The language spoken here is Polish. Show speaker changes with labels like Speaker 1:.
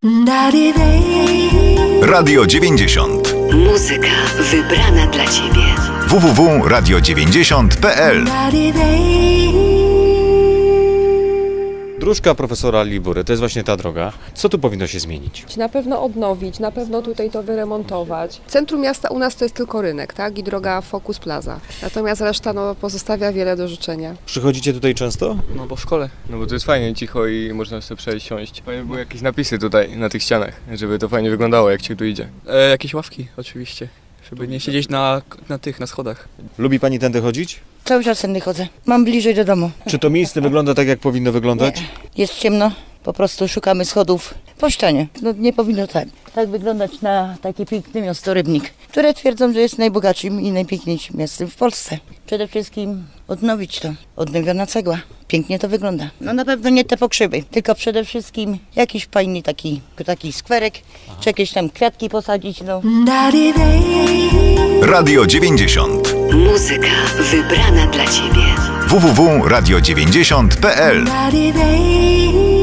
Speaker 1: Radio 90.
Speaker 2: Muzyka wybrana dla Ciebie.
Speaker 1: www.radio90.pl.
Speaker 3: Dróżka profesora Libury, to jest właśnie ta droga. Co tu powinno się zmienić?
Speaker 4: Na pewno odnowić, na pewno tutaj to wyremontować. Centrum miasta u nas to jest tylko rynek, tak? I droga Focus Plaza. Natomiast reszta pozostawia wiele do życzenia.
Speaker 3: Przychodzicie tutaj często?
Speaker 5: No bo w szkole, no bo to jest fajnie, cicho i można sobie przejść, siąść. Fajnie były jakieś napisy tutaj na tych ścianach, żeby to fajnie wyglądało, jak się tu idzie.
Speaker 6: Jakieś ławki oczywiście, żeby nie siedzieć na schodach.
Speaker 3: Lubi pani tędy chodzić?
Speaker 7: Cały czas tędy chodzę. Mam bliżej do domu.
Speaker 3: Czy to miejsce wygląda tak, jak powinno wyglądać?
Speaker 7: Nie. Jest ciemno, po prostu szukamy schodów po ścianie. No nie powinno tak wyglądać na takie piękne miasto Rybnik, które twierdzą, że jest najbogatszym i najpiękniejszym miastem w Polsce. Przede wszystkim odnowić to. Odnowiona cegła. Pięknie to wygląda. No na pewno nie te pokrzywy, tylko przede wszystkim jakiś fajny taki skwerek, czy jakieś tam kwiatki posadzić, no.
Speaker 1: Radio 90.
Speaker 2: Muzyka wybrana dla Ciebie.
Speaker 1: www.radio90.pl.